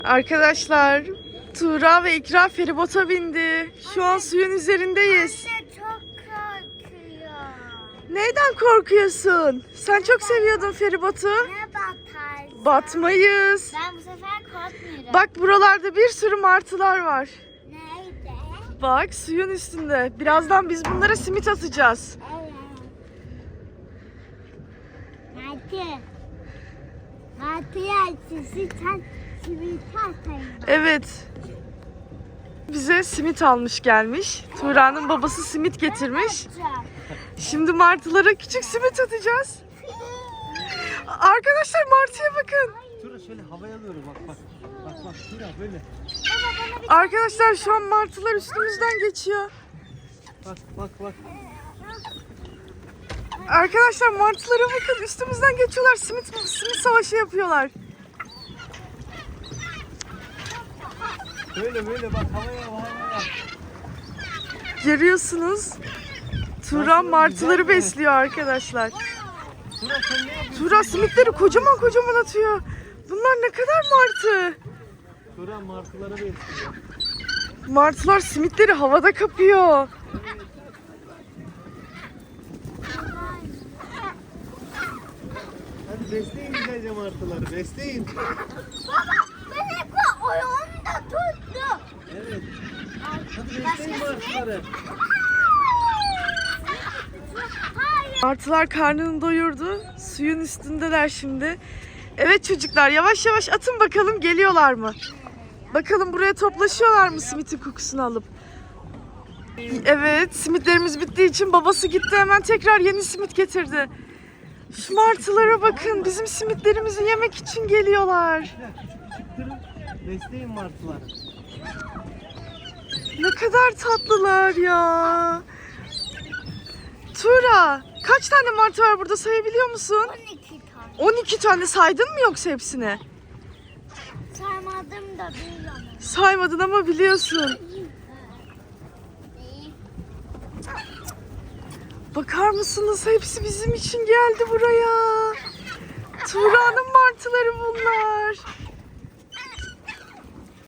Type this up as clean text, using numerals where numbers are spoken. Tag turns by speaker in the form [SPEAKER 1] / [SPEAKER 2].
[SPEAKER 1] Arkadaşlar, Tuğra ve İkra feribota bindi. Şu an suyun üzerindeyiz.
[SPEAKER 2] Anne çok korkuyor.
[SPEAKER 1] Neyden korkuyorsun? Sen çok seviyordun feribotu.
[SPEAKER 2] Ne batar?
[SPEAKER 1] Batmayız.
[SPEAKER 2] Ben bu sefer korkmuyorum.
[SPEAKER 1] Bak buralarda bir sürü martılar var.
[SPEAKER 2] Nerede?
[SPEAKER 1] Bak suyun üstünde. Birazdan biz bunlara simit atacağız.
[SPEAKER 2] Evet. Martı. Martı yersin. Sen simit atayım.
[SPEAKER 1] Evet. Bize simit almış gelmiş. Tuğra'nın babası simit getirmiş. Şimdi martılara küçük simit atacağız. Arkadaşlar martıya bakın.
[SPEAKER 3] Tura şöyle havaya alıyorum bak. Bak Tura böyle.
[SPEAKER 1] Arkadaşlar şu an martılar üstümüzden geçiyor.
[SPEAKER 3] Bak.
[SPEAKER 1] Arkadaşlar martılara bakın, üstümüzden geçiyorlar. Simit savaşı yapıyorlar.
[SPEAKER 3] Böyle bak havaya.
[SPEAKER 1] Görüyorsunuz. Tuğra martıları besliyor arkadaşlar.
[SPEAKER 3] Tura sen ne yapıyorsun?
[SPEAKER 1] Tuğra simitleri kocaman atıyor. Bunlar ne kadar martı.
[SPEAKER 3] Tura martıları besliyor.
[SPEAKER 1] Martılar simitleri havada kapıyor.
[SPEAKER 3] Hadi besleyin güzelce martıları besleyin.
[SPEAKER 2] Ben hep oyunu da tuttum.
[SPEAKER 3] Evet. Hadi besleyin martıları.
[SPEAKER 2] Hayır.
[SPEAKER 1] Martılar karnını doyurdu. Suyun üstündeler şimdi. Evet çocuklar, yavaş yavaş atın bakalım, geliyorlar mı? Bakalım buraya toplaşıyorlar mı simitin kokusunu alıp? Evet, simitlerimiz bittiği için babası gitti, hemen tekrar yeni simit getirdi. Şu martılara bakın, bizim simitlerimizi yemek için geliyorlar.
[SPEAKER 3] Küçük kırın. Besleyin martıları.
[SPEAKER 1] Ne kadar tatlılar ya. Tuğra, kaç tane martı var burada, sayabiliyor musun?
[SPEAKER 2] 12 tane.
[SPEAKER 1] 12 tane saydın mı yoksa hepsini?
[SPEAKER 2] Saymadım da biliyorum.
[SPEAKER 1] Saymadın ama biliyorsun. Bakar mısınız? Hepsi bizim için geldi buraya. Tuğra'nın martıları bunlar.